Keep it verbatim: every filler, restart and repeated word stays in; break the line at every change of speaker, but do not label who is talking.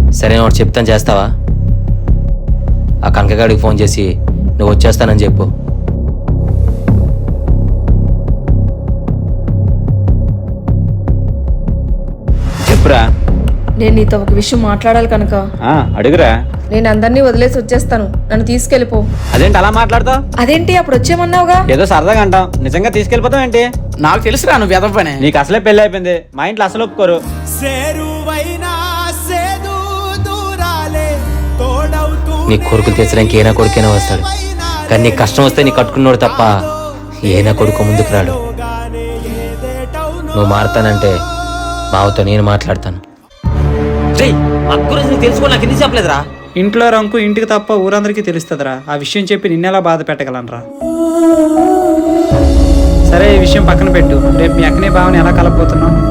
సరే ఒకటి చెప్తాను, చేస్తావా? ఆ కనకగాడికి ఫోన్ చేసి నువ్వు వచ్చేస్తానని చెప్పు.
చెప్పురా.
నేను నీతో ఒక విషయం మాట్లాడాలి కనుక.
ఆ, అడుగురా.
నేను అందరినీ వదిలేసి వచ్చేస్తాను, నన్ను తీసుకెళ్ళిపో.
అదేంటి అలా మాట్లాడతావు?
అదేంటి అప్పుడు వచ్చేమన్నావుగా?
ఏదో సరదాగా అంటాం, నిజంగా తీసుకెళ్ళిపోతావు ఏంటి?
నాకు తెలుసురా నువ్వు ఎదవ పని.
నీకు అసలే పెళ్లి అయిపోయింది, మా ఇంట్లో అసలు ఒప్పుకోరు.
నీ కొడుకులు తెచ్చడానికి ఏనా కొడుకైనా వస్తాడు, కానీ నీకు కష్టం వస్తే నీ కట్టుకున్నాడు తప్ప ఏనా కొడుకు ముందుకు రాడు. నువ్వు మారుతానంటే బావతో నేను మాట్లాడతాను. తెలుసుకో, నాకు ఎందుకు చెప్పలేదురా?
ఇంట్లో రంకు ఇంటికి తప్ప ఊరందరికీ తెలుస్తుందిరా. ఆ విషయం చెప్పి నిన్నెలా బాధ పెట్టగలనరా? సరే, ఈ విషయం పక్కన పెట్టు. రేపు మీ అక్కనే బావని ఎలా కలపబోతున్నావు?